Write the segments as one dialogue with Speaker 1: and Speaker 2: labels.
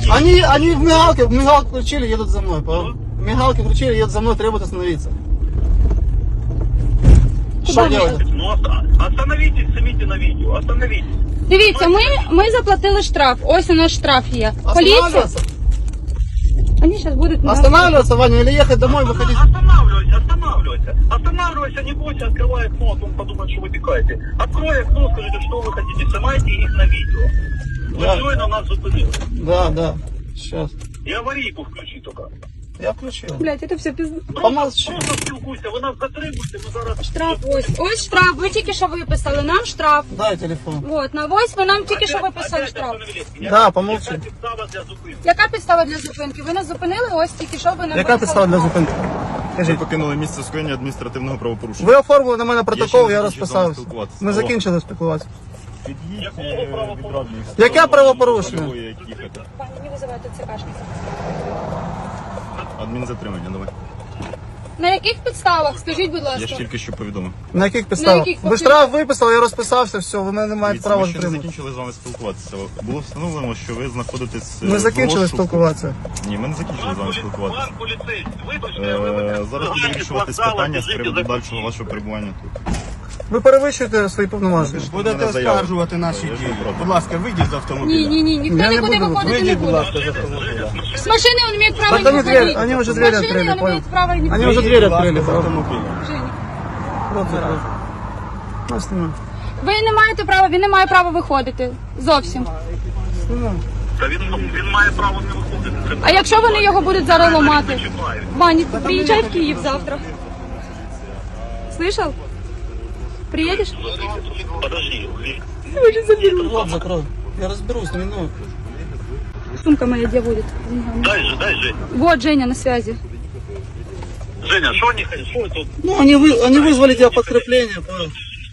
Speaker 1: Они в мигалке включили, едут за мной. В мигалке включили, едут за мной, требуют остановиться. Что делать?
Speaker 2: Ну, остановитесь, снимите на видео, остановитесь.
Speaker 3: Дивіться, ми заплатили штраф. Ось у нас штраф є. Поліція.
Speaker 1: Останавливаться?
Speaker 3: Вони зараз будуть...
Speaker 1: Останавливаться, Ваня, или ехать домой, выходить?
Speaker 2: Останавливайся, не бойся, открывай окно, а то он подумает, что вы пикаете. Открой окно, скажите, что вы хотите, снимайте их на видео.
Speaker 1: Да.
Speaker 2: Вы на нас зупинили.
Speaker 1: Да, сейчас.
Speaker 2: И аварийку включи только.
Speaker 1: Я включил.
Speaker 3: Блядь, це все пізно.
Speaker 1: Помолчи.
Speaker 2: Просто спілкуйся, ви нас затримуєте, ми зараз...
Speaker 3: Штраф ось. Ось штраф. Ви тільки що виписали. Нам штраф.
Speaker 1: Дай телефон.
Speaker 3: Вот, на ось ви нам тільки що виписали штраф.
Speaker 1: Да, помолчи.
Speaker 2: Яка підстава для зупинки?
Speaker 3: Яка підстава для зупинки? Ви нас зупинили, ось тільки що ви нам
Speaker 1: Яка підстава для зупинки?
Speaker 4: Ви
Speaker 1: Скажіть.
Speaker 4: покинули місце скоєння адміністративного правопорушення.
Speaker 1: Ви оформили на мене протокол, я
Speaker 4: Я ще не
Speaker 1: розписався.
Speaker 4: закінчив з вами спілкуватися.
Speaker 1: Ми закінчили спілкуватися.
Speaker 4: Під'їдь від радних.
Speaker 1: Яке правопорушення?
Speaker 4: Як їхати.
Speaker 3: Пані, не визивайте ЦКшницю.
Speaker 4: Адмінзатримання, давай.
Speaker 3: На яких підставах? Скажіть, будь
Speaker 4: Я ж
Speaker 3: ласка.
Speaker 4: тільки що повідомив.
Speaker 1: На яких підставах?
Speaker 3: яких
Speaker 1: Ви штраф виписали, я розписався, все, ви мене не маєте
Speaker 4: Дивіться,
Speaker 1: права
Speaker 4: ми ще не
Speaker 1: затримати.
Speaker 4: закінчили з вами спілкуватися. Було встановлено, що ви знаходитесь
Speaker 1: Ми
Speaker 4: в
Speaker 1: закінчили
Speaker 4: розшуку.
Speaker 1: спілкуватися.
Speaker 4: Ні, ми не закінчили з вами спілкуватися.
Speaker 2: Пан поліцейський, вибачте,
Speaker 4: Зараз буде вирішуватись питання з приводу дальшого вашого перебування тут.
Speaker 1: Ви перевищуєте свої повноваження.
Speaker 4: Будете
Speaker 5: оскаржувати наші дії. Будь ласка, вийдіть з автомобіля.
Speaker 3: Ні, ніхто
Speaker 1: Я
Speaker 3: не
Speaker 1: не
Speaker 3: буде
Speaker 1: буду.
Speaker 3: виходити, не
Speaker 5: Вийдіть, будь
Speaker 3: буде.
Speaker 5: ласка, з автомобіля.
Speaker 3: С машины он имеет право
Speaker 1: Так
Speaker 3: не
Speaker 1: они
Speaker 3: выходить.
Speaker 1: дверь- они уже
Speaker 3: С
Speaker 1: дверь
Speaker 3: машины
Speaker 1: открыли,
Speaker 3: он
Speaker 1: понял.
Speaker 3: имеет право не
Speaker 1: Они
Speaker 3: выходить.
Speaker 1: уже дверь
Speaker 5: Будь ласка,
Speaker 1: открыли.
Speaker 5: з автомобіля.
Speaker 3: Женя,
Speaker 1: Рот закрой. Ну, снимай.
Speaker 3: ви не маєте права, він не має права виходити. Зовсім.
Speaker 1: Снимай.
Speaker 2: Та він має право не виходити.
Speaker 3: А якщо вони його будуть зараз ламати? Ваня, приїжджай в Київ завтра. Слышал? Приедешь?
Speaker 2: Подожди.
Speaker 1: Рот закрой. Я разберусь, не минут.
Speaker 3: Сумка моя где будет?
Speaker 2: Дай, Жень.
Speaker 3: Вот Женя на связи.
Speaker 2: Женя, что они хотят? Что это?
Speaker 1: Ну, они вызвали тебя подкрепление, понял?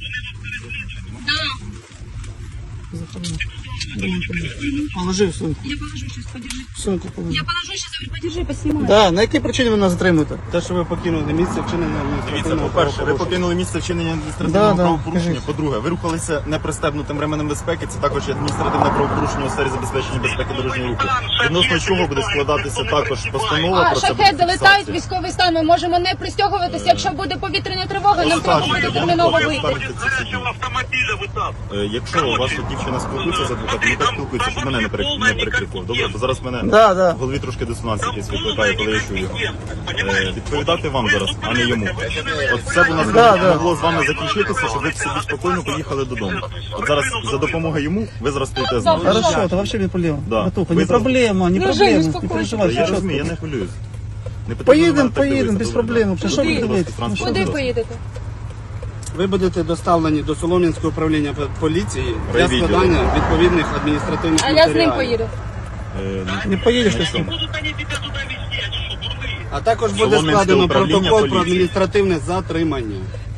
Speaker 1: Положи в сумку.
Speaker 3: Я положу сейчас, подержи.
Speaker 1: В сумку положи.
Speaker 3: Я положу сейчас, подержи, поснимай.
Speaker 1: Да, на якій причині ви нас затримуєте?
Speaker 5: Те, що ви покинули місце вчинення
Speaker 4: Дивіться,
Speaker 5: адміністративного
Speaker 4: по-перше, ви
Speaker 5: правопорушення.
Speaker 4: покинули місце вчинення адміністративного
Speaker 1: Да,
Speaker 4: правопорушення.
Speaker 1: кажіть.
Speaker 4: По-друге, ви рухалися непристебнутим ременем безпеки. Це також є адміністративне правопорушення у сфері забезпечення безпеки дорожнього руху. Відносно чого буде складатися також постанова
Speaker 3: А
Speaker 4: про це
Speaker 3: шахеди летають,
Speaker 4: фіксація.
Speaker 3: військовий стан. Ми можемо не пристягуватися. Якщо буде повітряна тривога, нам треба буде терміново вийти.
Speaker 2: З автомобіля витап.
Speaker 4: Якщо ваша дівчина спілкується з адвокатом, ну так спілкується, щоб мене не перекрикував. Добре, бо зараз мене
Speaker 1: Да.
Speaker 4: в голові трошки дисонанс якийсь викликає, коли я чую його. Відповідати вам зараз, а не йому. От все б у нас могло з вами закінчитися, щоб ви собі спокійно поїхали додому. От зараз за допомогою йому ви зараз стоїте з нами.
Speaker 1: Хорошо, это вообще не проблема.
Speaker 4: Да.
Speaker 1: Братуха,
Speaker 4: Вы
Speaker 1: не
Speaker 4: за-
Speaker 1: проблема, не
Speaker 3: Ну,
Speaker 1: проблема.
Speaker 3: Жень,
Speaker 1: Не
Speaker 3: успокойся.
Speaker 1: переживай,
Speaker 4: Я
Speaker 1: все
Speaker 4: розумію, я
Speaker 1: чітко.
Speaker 4: не хвилююсь. Не потрібно на мене так
Speaker 1: Поїдемо,
Speaker 4: дивитися,
Speaker 1: без
Speaker 4: добре?
Speaker 1: проблем. Що ви дивитесь?
Speaker 4: Транспорт
Speaker 3: Куди
Speaker 4: зараз.
Speaker 3: поїдете?
Speaker 5: Ви будете доставлені до Солом'янського управління поліції для
Speaker 4: Райвідділу.
Speaker 5: складання відповідних адміністративних
Speaker 3: А я
Speaker 5: матеріалів.
Speaker 3: з ним поїду.
Speaker 1: Не поїдеш ти з ним.
Speaker 2: Будуть вони тебе туди везти, они що, дурні?
Speaker 5: А також буде
Speaker 4: Солом'янське
Speaker 5: складено
Speaker 4: управління
Speaker 5: протокол про
Speaker 4: поліції.
Speaker 5: адміністративне затримання.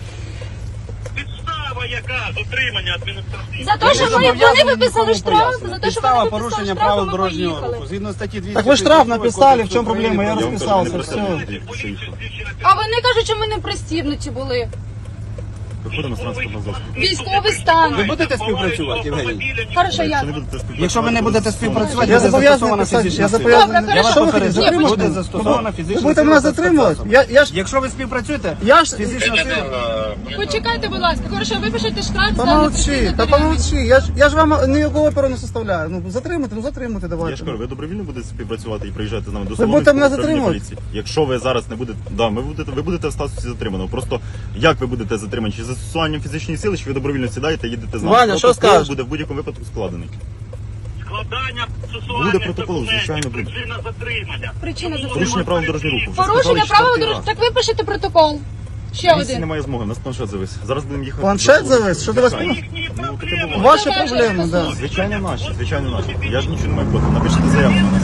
Speaker 2: Підстава яка? Затримання адміністративне.
Speaker 3: За те, що вони виписали штраф, за те, що
Speaker 5: Підстава
Speaker 3: вони виписали
Speaker 5: порушення
Speaker 3: штраф,
Speaker 5: правил
Speaker 3: ми
Speaker 5: дорожнього
Speaker 3: поїхали.
Speaker 5: руху. Згідно статті 200.
Speaker 1: Так ви штраф написали, в чому проблема? Я
Speaker 4: Я вам кажу,
Speaker 1: розписався,
Speaker 4: не
Speaker 1: все.
Speaker 4: пристебнутий, що їхав.
Speaker 3: А вони кажуть, що ми не пристібнуті були.
Speaker 4: Виходимо з транспортного засобу.
Speaker 3: Військовий
Speaker 5: Ви
Speaker 3: стан.
Speaker 5: будете співпрацювати, Євгеній?
Speaker 3: Хорошо,
Speaker 4: Якщо
Speaker 3: як?
Speaker 4: не будете співпрацювати,
Speaker 5: Якщо ви не будете співпрацювати,
Speaker 1: Я
Speaker 5: буде
Speaker 1: зобов'язаний
Speaker 5: застосована
Speaker 1: писати,
Speaker 5: фізична
Speaker 1: я
Speaker 5: сила.
Speaker 1: зобов'язаний.
Speaker 3: Добре,
Speaker 5: Я вас
Speaker 3: хорошо.
Speaker 1: Що ви
Speaker 5: попереджаю,
Speaker 1: хотите?
Speaker 5: буде застосована
Speaker 1: Ви
Speaker 5: фізична
Speaker 1: будете
Speaker 5: сила.
Speaker 1: мене
Speaker 5: та
Speaker 1: затримувати?
Speaker 5: спецзасоби.
Speaker 1: Я ж...
Speaker 5: Якщо ви співпрацюєте,
Speaker 1: Я ж...
Speaker 5: фізична сила.
Speaker 3: Почекайте, будь ласка. Хорошо, випишете штраф за
Speaker 1: Помолчи,
Speaker 3: непристібнуті
Speaker 1: та
Speaker 3: ремені.
Speaker 1: помолчи. Я ж вам ніякого оперу не составляю. Ну, затримуйте,
Speaker 4: Я
Speaker 1: давайте.
Speaker 4: ж кажу, ви добровільно будете співпрацювати і приїжджати з нами до
Speaker 1: будете
Speaker 4: Солом'янського
Speaker 1: мене
Speaker 4: управління
Speaker 1: затримувати?
Speaker 4: поліції. Якщо ви зараз не будете, да, ви будете в статусі затриманого. Просто як ви будете затримані? Чи застосуванням фізичної сили, чи ви добровільно сідаєте і їдете з нами?
Speaker 1: Ваня, що
Speaker 4: Протокол
Speaker 1: скажеш?
Speaker 4: буде в будь-якому випадку складений.
Speaker 2: Складання
Speaker 4: Буде протокол, звичайно, буде.
Speaker 2: Причина затримання.
Speaker 3: Причина
Speaker 4: Порушення
Speaker 3: затримання.
Speaker 4: правил дорожнього руху. Вже
Speaker 3: Порушення
Speaker 4: сказали,
Speaker 3: правил
Speaker 4: четвертий
Speaker 3: дорожнього.
Speaker 4: раз.
Speaker 3: Так випишете протокол. Ще
Speaker 4: Місії
Speaker 3: один.
Speaker 4: немає змоги, у нас планшет завис. Зараз будемо їхати.
Speaker 1: Планшет
Speaker 4: до
Speaker 1: завис? Що ти вас
Speaker 4: Звичайно. Ну, таке буває.
Speaker 1: Ваші
Speaker 3: Давай,
Speaker 1: проблеми,
Speaker 3: Жень,
Speaker 1: да.
Speaker 4: Звичайно наші. Я ж нічого не маю проти. Напишіть заяву на нас.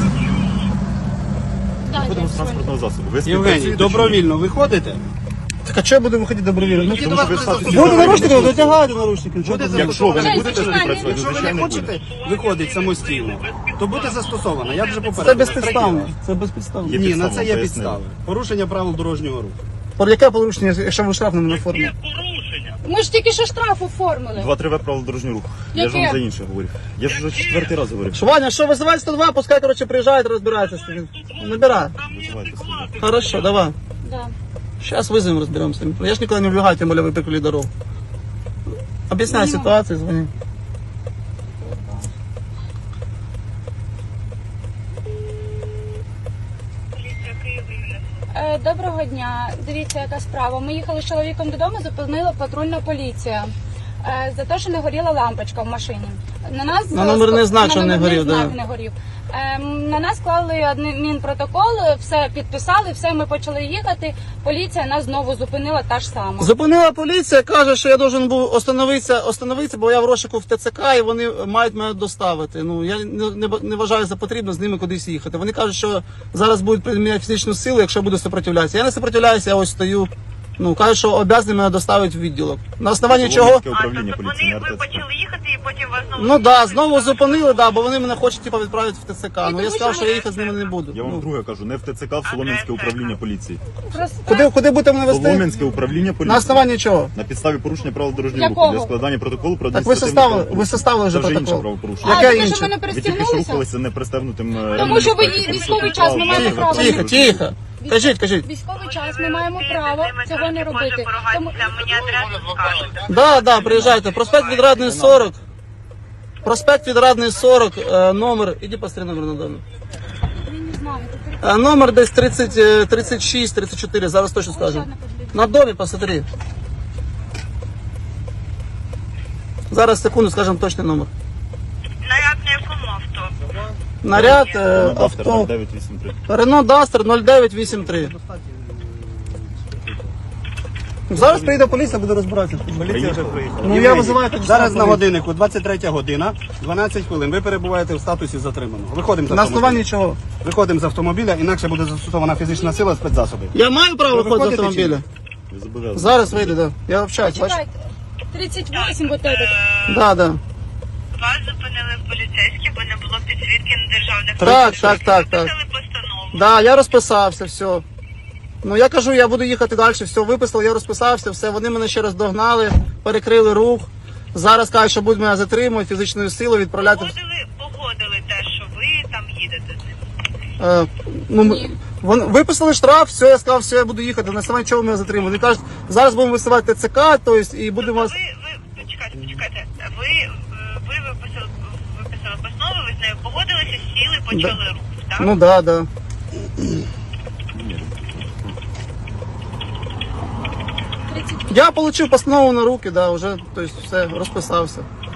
Speaker 4: Виходимо з транспортного засобу. Ви
Speaker 5: Євгеній,
Speaker 4: співпрацюєте чи ні?
Speaker 5: добровільно виходите?
Speaker 1: Так а чого я буду виходити добровільно? Ну,
Speaker 4: Тому що ви в статусі
Speaker 1: буду
Speaker 4: затриманого.
Speaker 1: наручники, дотягайте наручники. Чого ти
Speaker 4: Якщо ви не
Speaker 3: Жень,
Speaker 4: будете
Speaker 3: зачекай,
Speaker 4: співпрацювати,
Speaker 5: Якщо ви не
Speaker 4: звичайно буде.
Speaker 5: хочете виходити самостійно, то буде застосовано. Я вже
Speaker 1: Це
Speaker 5: попередив.
Speaker 1: безпідставно. Це безпідставно.
Speaker 4: Є
Speaker 5: Ні, на
Speaker 4: підстава,
Speaker 5: це є
Speaker 4: пояснили.
Speaker 5: підстави. Порушення правил дорожнього руху.
Speaker 1: Яке порушення, якщо ви штраф на мене оформили?
Speaker 2: Є порушення.
Speaker 3: Ми ж тільки що штраф оформили.
Speaker 4: 2-3 правил дорожнього руху. Я ж вам
Speaker 3: Яке?
Speaker 4: за інше говорив. Я ж вже четвертий раз говорив.
Speaker 1: Що, Ваня, що, визивай 102, пускай, короче, приїжджають, розбираються з тим. Набирай.
Speaker 4: Визивайте собі.
Speaker 1: Хорошо, давай.
Speaker 3: Да.
Speaker 1: Сейчас вызовем, разберемся. Я ж никуда не убегаю, тем более вы прикрыли дорогу. Объясняй ситуацию, звони.
Speaker 3: Доброго дня. Дивіться, яка справа. Ми їхали з чоловіком додому, зупинила патрульна поліція. За те, що не горіла лампочка в машині. На нас
Speaker 1: На номерний знак, що не
Speaker 3: номерний
Speaker 1: горів,
Speaker 3: знак
Speaker 1: да.
Speaker 3: не горів. На нас клали адмінпротокол, все підписали, все, ми почали їхати. Поліція нас знову зупинила та ж сама.
Speaker 1: Зупинила поліція, каже, що я должен був остановитися, бо я в розшуку в ТЦК і вони мають мене доставити. Ну, я не вважаю за потрібно з ними кудись їхати. Вони кажуть, що зараз будуть приміняти фізичну силу, якщо я буду сопротивлятися. Я не сопротивляюся, я ось стою. Ну, кажуть, що обов'язані мене доставити в відділок. На основанні чого?
Speaker 4: Солом'янське управління поліції, не
Speaker 2: ви
Speaker 4: РТЦК.
Speaker 2: почали їхати і потім вас знову...
Speaker 1: Ну да, знову зупинили, да, бо вони мене хочуть типу, відправити в ТЦК. Ну я
Speaker 3: тому
Speaker 1: сказав,
Speaker 3: що
Speaker 1: що я їхати з ними не буду.
Speaker 4: Я вам
Speaker 1: Ну,
Speaker 4: вдруге кажу, не в ТЦК, в Солом'янське управління поліції.
Speaker 3: Просто
Speaker 1: куди будете мене вести?
Speaker 4: Солом'янське управління поліції.
Speaker 1: На основанні чого?
Speaker 4: На підставі порушення правил дорожнього
Speaker 3: Якого?
Speaker 4: руху для складання протоколу про
Speaker 1: Так ви
Speaker 4: адміністративне
Speaker 1: составили вже
Speaker 4: Це вже інше
Speaker 1: протокол.
Speaker 4: правопорушення.
Speaker 1: Яке
Speaker 3: ви
Speaker 1: інше?
Speaker 3: що, мене
Speaker 4: Ви тільки що
Speaker 3: пристігнулися?
Speaker 4: рухалися непристебнутим
Speaker 3: Тому що ви військовий час, ми маємо право.
Speaker 1: Тихо, тихо. Кажіть.
Speaker 3: Військовий час, ми маємо право цього не робити. Тому...
Speaker 2: Мені адресу скажуть.
Speaker 1: Да, приїжджайте. Проспект Відрадний 40. Проспект Відрадний 40, номер. Іди посмотри номер на домі.
Speaker 3: Я не знаю.
Speaker 1: Номер десь 30, 36, 34, зараз точно скажу. На домі посмотри. Зараз, секунду, скажемо точний номер.
Speaker 2: Наряд на якому авто?
Speaker 1: Наряд,
Speaker 4: Автор
Speaker 1: авто.
Speaker 4: 983.
Speaker 1: Renault Duster 0983. Зараз прийде поліція, буде розбиратися.
Speaker 5: Поліція вже приїхала.
Speaker 1: Ну я визиваю так
Speaker 5: Зараз на годиннику 23 година, 12 хвилин. Ви перебуваєте в статусі затриманого. Виходимо з
Speaker 1: На
Speaker 5: автомобіля.
Speaker 1: основанні чого?
Speaker 5: Виходимо з автомобіля, інакше буде застосована фізична сила, спецзасоби.
Speaker 1: Я маю право
Speaker 5: Ви
Speaker 1: виходити з
Speaker 5: виходите
Speaker 1: автомобіля?
Speaker 4: Ви зобов'язані.
Speaker 1: Зараз вийде, да. Я общаюсь, бачиш?
Speaker 3: Чекайте. 38 вот этот.
Speaker 1: Да.
Speaker 2: Вас зупинили поліцейські, бо не було підсвітки на державних...
Speaker 1: Так.
Speaker 2: Написали постанову.
Speaker 1: Да, я розписався, все. Ну я кажу, я буду їхати далі, все, виписав, я розписався, все. Вони мене ще раз догнали, перекрили рух. Зараз кажуть, що будуть мене затримувати, фізичною силою відправляти.
Speaker 2: Погодили те, що ви там їдете з ним.
Speaker 1: Вони виписали штраф, все, я сказав, все, я буду їхати. На основанні чого мене затримали. Вони кажуть, зараз будемо висувати ТЦК, тобто, і будемо вас.
Speaker 2: Ви почекайте. Ви виписали постанову, ви з нею погодилися, сіли, почали рух, так?
Speaker 1: Ну да. Я отримав постанову на руки, да, вже, тобто, все, розписався.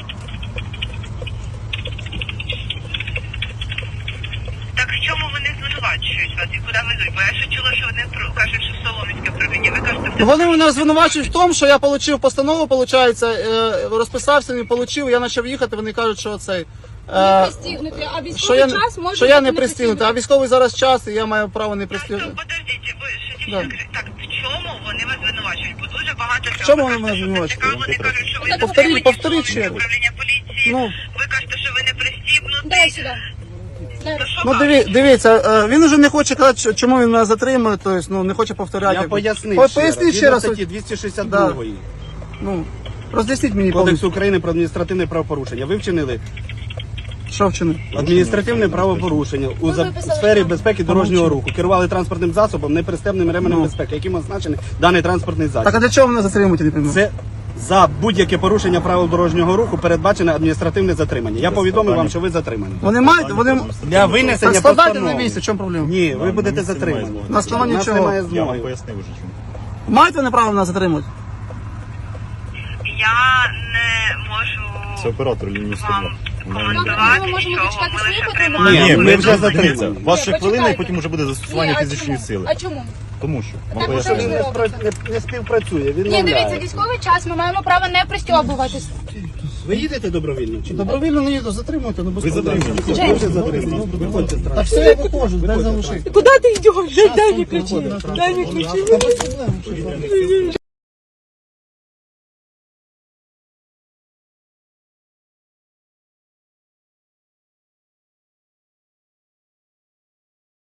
Speaker 2: Так в чому вони звинувачують вас і куди везуть? Бо я ще чула, що вони кажуть, що в Солом'янське управління. Ви кажете,
Speaker 1: Ну, вони мене звинувачують в тому, що я отримав постанову, виходить, розписався, не отримав, я почав їхати, вони кажуть, що цей...
Speaker 3: Не пристігнути, а
Speaker 1: Що
Speaker 3: військовий
Speaker 1: я,
Speaker 3: час може
Speaker 1: що я
Speaker 3: бути
Speaker 1: не пристігнутий, а військовий зараз час, і я маю право не пристігнути.
Speaker 2: подождіть, ви ще
Speaker 1: Да.
Speaker 2: тільки так, в чому вони вас звинувачують? Бо дуже багато
Speaker 1: В чому вони мене звинувачують?
Speaker 2: Вони кажуть, що ви
Speaker 3: Так,
Speaker 2: затримані
Speaker 1: повторіть ще раз.
Speaker 2: управління поліції,
Speaker 1: Ну.
Speaker 2: ви кажете, що ви не пристібнуті.
Speaker 3: Дай сюди. Дай.
Speaker 2: То що
Speaker 1: Ну,
Speaker 2: кажуть?
Speaker 1: дивіться, він уже не хоче казати, чому він мене затримує, тобто, ну, не хоче повторяти.
Speaker 5: Я пояснив
Speaker 1: Поясніть ще раз.
Speaker 5: Статті 262
Speaker 1: Ну, роз'ясніть мені
Speaker 5: Кодексу
Speaker 1: повністю,
Speaker 5: України про адміністративне правопорушення. Ви вчинили
Speaker 1: що вчинив.
Speaker 5: адміністративне правопорушення у
Speaker 3: виписали
Speaker 5: сфері
Speaker 3: штраф.
Speaker 5: безпеки дорожнього руху. Керували транспортним засобом, непристебним ременем безпеки, яким означений даний транспортний засіб.
Speaker 1: Так, а для чого мене затримують, я не розумію?
Speaker 5: Це за будь-яке порушення правил дорожнього руху передбачене адміністративне затримання. Я повідомив вам, що ви затримані.
Speaker 1: Вони мають, вони...
Speaker 5: Для винесення
Speaker 1: Так складайте на
Speaker 5: постанови.
Speaker 1: місці, в чому проблема?
Speaker 5: Ні, ви
Speaker 4: на
Speaker 5: будете
Speaker 4: місці немає
Speaker 5: затримані.
Speaker 4: змоги.
Speaker 1: На основанні
Speaker 5: У нас
Speaker 1: чого?
Speaker 5: немає
Speaker 4: Я вам
Speaker 5: змоги.
Speaker 4: пояснив уже чому.
Speaker 1: Мають вони право мене затримувати?
Speaker 2: Я не можу
Speaker 4: Це оператор лінії 102.
Speaker 2: коментувати
Speaker 3: Ми можемо
Speaker 2: нічого,
Speaker 3: дочекатись
Speaker 2: ми лише
Speaker 3: випадку,
Speaker 2: приймаємо.
Speaker 5: Ні, ми вже
Speaker 4: дивіться,
Speaker 5: затримані.
Speaker 4: Вас ще
Speaker 3: Ні,
Speaker 4: хвилина, і
Speaker 3: почекайте.
Speaker 4: потім вже буде застосування
Speaker 3: Ні, а
Speaker 4: фізичної
Speaker 3: чому?
Speaker 4: сили.
Speaker 3: А чому?
Speaker 4: Тому що вам
Speaker 3: Так,
Speaker 4: поясню.
Speaker 3: що ви
Speaker 5: Не співпрацює, він
Speaker 3: Ні, дивіться, військовий час, ми маємо право не пристьобуватись.
Speaker 5: Ви їдете добровільно чи ні?
Speaker 1: Добровільно не їду, затримуйте, ну без
Speaker 4: Ви
Speaker 1: проблем.
Speaker 4: затримані.
Speaker 5: Ви вже затримані. Виходьте з
Speaker 1: Так
Speaker 5: транспорту.
Speaker 1: все, я виходжу, дай залишити.
Speaker 3: Куди ти йдеш? Дай мені ключі. Дай мені ключі.
Speaker 1: Та без проблем.